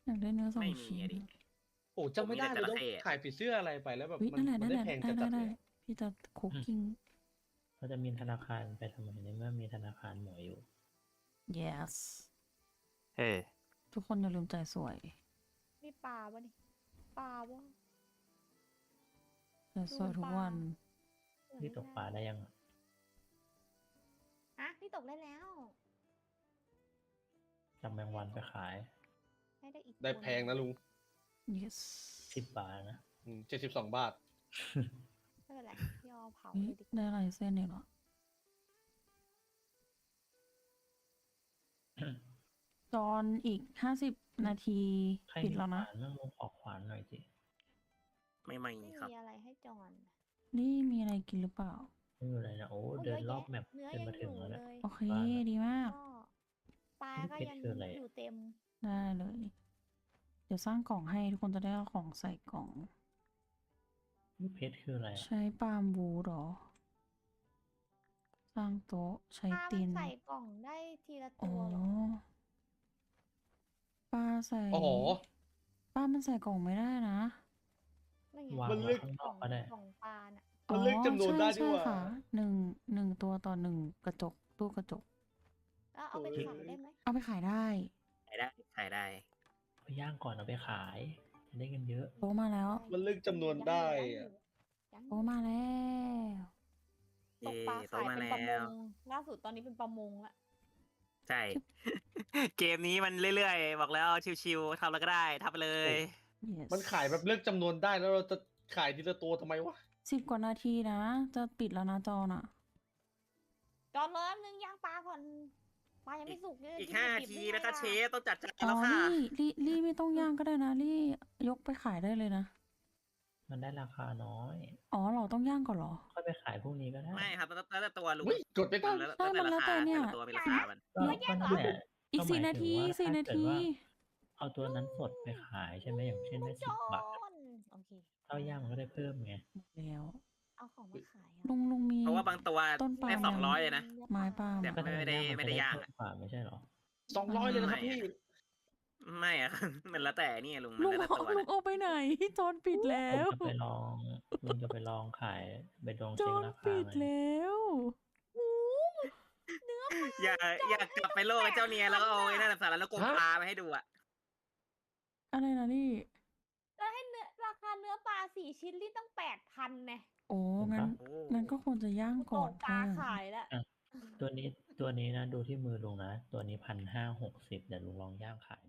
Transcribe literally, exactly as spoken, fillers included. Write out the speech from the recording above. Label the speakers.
Speaker 1: อยากได้เนื้อสอ
Speaker 2: ไม่
Speaker 1: ง
Speaker 2: มี
Speaker 1: ชิ้น
Speaker 2: อะดิ
Speaker 3: โอ้จำไม่ได้
Speaker 2: ผมมีแต่
Speaker 3: เลยต้อง
Speaker 2: จระเข้อะ
Speaker 3: ขายผีเสื้ออะไรไปแล้วแบบ
Speaker 1: เฮ้ย
Speaker 3: มั
Speaker 1: นั่นแหละ
Speaker 3: มั
Speaker 1: นั่น
Speaker 3: ได้
Speaker 1: แหละ
Speaker 3: แพง
Speaker 1: ได้
Speaker 3: จัด
Speaker 1: ได้
Speaker 3: ๆเลย
Speaker 1: พี่จะคุกกิ้ง
Speaker 4: เขาจะมีธนาคารไปทำไมในเมื่อมีธนาคารหมวยอยู่
Speaker 1: yes
Speaker 2: เฮ้
Speaker 1: ทุกคนอย่าลืมใจสวย
Speaker 5: นี่ปลาวะนี่ปลาวะ
Speaker 1: ใจสวยทุกวัน
Speaker 4: ที่ตกปลาได้ยังอะ
Speaker 5: ฮะนี่ตกได้แล้ว
Speaker 4: จำแมงวันไปขาย
Speaker 5: ให้ได้อีก
Speaker 3: ได้แพงนะลุง
Speaker 1: yes
Speaker 4: สิบบาทนะ
Speaker 3: เจ็ดสิบสองบาท
Speaker 5: ไม่เป็นไรพี่เอาเผา
Speaker 1: เฮ้ย
Speaker 5: เลยดีกว่า
Speaker 1: ได้ลายเส้นอีกเหรอ จอนอีกห้าสิบนาที
Speaker 4: ใคร
Speaker 1: ปิด
Speaker 4: มี
Speaker 1: แล้ว
Speaker 4: ข
Speaker 1: นะ
Speaker 4: วานมั่งลงขอขวานหน่อยสิ
Speaker 2: ไม่ไม่
Speaker 5: ไม่
Speaker 2: ครับ
Speaker 5: มีอะไรให้จอน
Speaker 1: นี่มีอะไรกินหรือเปล่า
Speaker 4: ไม่มีอะไรนะโอ้
Speaker 5: โอ้
Speaker 4: เดิน
Speaker 5: ยะ
Speaker 4: รอบแมป
Speaker 5: เนื้อ
Speaker 4: จน
Speaker 5: ยัง
Speaker 4: มา
Speaker 5: อ
Speaker 4: ถึง
Speaker 5: ยู่
Speaker 4: แล้ว
Speaker 5: เล
Speaker 4: นะ
Speaker 5: ย
Speaker 1: โอเค
Speaker 4: บ้านอะ
Speaker 1: ดีมาก
Speaker 5: ก็ปลาก็ยัง
Speaker 4: เพชรคืออะไรอะ
Speaker 5: อยู่เต็ม
Speaker 1: ได้เลย เดี๋ยวสร้างกล่องให้ทุกคนจะได้เอาของใส่กล่อง
Speaker 4: นี่เพชรคืออะไรอะ
Speaker 1: ใช้ปาล์มวูดเหรอ สร้างโต๊ะใช้
Speaker 5: ปลา
Speaker 1: ตี
Speaker 5: มัน
Speaker 1: น
Speaker 5: ใส่กล่องได้ทีละ
Speaker 1: อ๋
Speaker 5: ตั
Speaker 1: อ
Speaker 5: วเหรอ
Speaker 1: ปลาใส่
Speaker 3: อ๋อ
Speaker 1: ปลามันใส่กล่องไม่ได้นะ
Speaker 5: นั่นไง
Speaker 4: วาง
Speaker 3: มัน
Speaker 4: ไว้
Speaker 3: ลึก
Speaker 4: ข้างน
Speaker 5: กล่
Speaker 4: อ
Speaker 5: อก ง
Speaker 4: ก็ได้
Speaker 5: กล่องปลาน่ะ
Speaker 3: มันเลือกจำนวนได้
Speaker 1: อ๋อ
Speaker 3: ด้วย
Speaker 1: ใช่
Speaker 3: ว่า
Speaker 1: ใช่ค่ะหนึ่งหนึ่งตัวต่อหนึ่งกระจกตู้กระจก
Speaker 5: แล้วเอาไป
Speaker 3: โอ้ย
Speaker 5: ขายได้ไหม
Speaker 1: เอาไปขายได้
Speaker 2: ขายได้ขายได้
Speaker 4: ไปย่างก่อนเอาไปขาย จะได้เงินเยอะ
Speaker 1: โต๊ะมาแล้ว
Speaker 3: มันเลือกจำนวนได้อะ
Speaker 5: ยังอยู่
Speaker 1: โต๊ะมาแล้ว
Speaker 5: ตกปลา
Speaker 2: เย่
Speaker 5: ขาย
Speaker 2: โตมา
Speaker 5: เป็นประม
Speaker 2: แล้ว
Speaker 5: งล่าสุดตอนนี้เป็นประมงละ
Speaker 2: ใช่ เกมนี้มันเรื่อยๆ บอกแล้วชิวๆทำแล้วก็ได้ทำไปเลย
Speaker 1: yes
Speaker 3: มันขายแบบเลือกจำนวนได้แล้วเราจะขายทีละตัวทำไมวะ
Speaker 1: สิบกว่านาทีนะ จะปิดแล้วนะจอน่ะ
Speaker 5: จอนเลยนึงย่างปลาก่อนปลายังไม่สุกเลย
Speaker 2: อีก
Speaker 5: กิน
Speaker 2: ห้า
Speaker 5: ดิบๆ
Speaker 2: ที
Speaker 5: ได้ไง
Speaker 2: นะคะ
Speaker 5: ล่ะ
Speaker 2: เชฟต้องจัดจาน
Speaker 1: อ๋อ
Speaker 2: แล้วค่ะ
Speaker 1: ลี่ลี่ลี่ไม่ต้องย่างก็ได้นะ ลี่ยกไปขายได้เลยนะ
Speaker 4: มันได้ราคาน้อย
Speaker 1: อ๋อเหรอต้องย่างก่อนเหรอ
Speaker 4: ค่อยไปขายพรุ่งนี้ก็ได้
Speaker 2: ไม่ครับแล้วแล้วแต่ตัวลุง
Speaker 3: เฮ้ยกดไปตั้ง
Speaker 2: แล้ว
Speaker 1: ใช่มันแล้วแต่เนี่ย
Speaker 2: ละตัวมีราคามัน
Speaker 4: ก็ก็นั่นแหละ
Speaker 1: อีก
Speaker 4: ก็หมย
Speaker 1: สี่นาที
Speaker 4: ถึงว่
Speaker 1: สี่
Speaker 4: ถ้
Speaker 1: นา
Speaker 4: เกิด
Speaker 1: ที
Speaker 4: ว่าเอาตัวนั้นสดไปขายใช่ไหมอย่างเช่นได้
Speaker 5: จ
Speaker 4: สิบบาท
Speaker 5: อนโอเค
Speaker 4: ข้าวย่างมันก็ได้เพิ่มไง
Speaker 1: หมดแล้ว
Speaker 5: เอาของมาขายอะ
Speaker 1: ลุงลุงมี
Speaker 2: เพราะว่าบางตัว
Speaker 1: ต้นปาล์ม
Speaker 2: ได้สองร้อยเลยนะ
Speaker 1: ไม้ปาล์ม
Speaker 2: แต่
Speaker 1: อะ
Speaker 4: ก็
Speaker 2: ไม่ได้
Speaker 4: ย่าง
Speaker 2: ไม่ได้ย่าง
Speaker 4: เพิ่มกว่าไม่ใช่เหรอ
Speaker 3: สองร้อยเลยนะครับพี่
Speaker 2: ไม่อะ มันแล้วแต่นี่ลุงมัน
Speaker 1: ลุง
Speaker 2: แล้วแต่
Speaker 1: เอา
Speaker 2: ตัว
Speaker 1: ลุ
Speaker 2: นะ
Speaker 1: งเอาไปไหนจอนปิดแล้
Speaker 4: ผม
Speaker 1: ว
Speaker 4: จะไปลองลุงจะไปลองขายไปลอง
Speaker 1: จ
Speaker 4: เช็ค
Speaker 1: อน
Speaker 4: ราคา
Speaker 1: ปิด
Speaker 4: ไง
Speaker 1: แล้ว
Speaker 2: อย่าอยากกลับไปโลกกับเจ้าเนียแล้วก็เอาไอ้นั่นนะสารแล้วกง
Speaker 3: ฮะ
Speaker 2: ปลามาให้ดูอะ
Speaker 1: อะไรนะลี่
Speaker 5: แล้วให้เนื้อราคาเนื้อปลาสี่ชิ้นนี่ต้องแปดพันไง
Speaker 1: โอ้งั้น
Speaker 2: โอ้
Speaker 1: งั้นก็ควรจะย่าง
Speaker 5: ต
Speaker 1: ก่อก น
Speaker 5: ปลา
Speaker 1: ค่ะ
Speaker 5: ขายแล้ว
Speaker 4: ตัวนี้ตัวนี้นะดูที่มือลุงนะ ตัวนี้พันห้าหกสิบเดี๋ยวลุงลองย่างขาย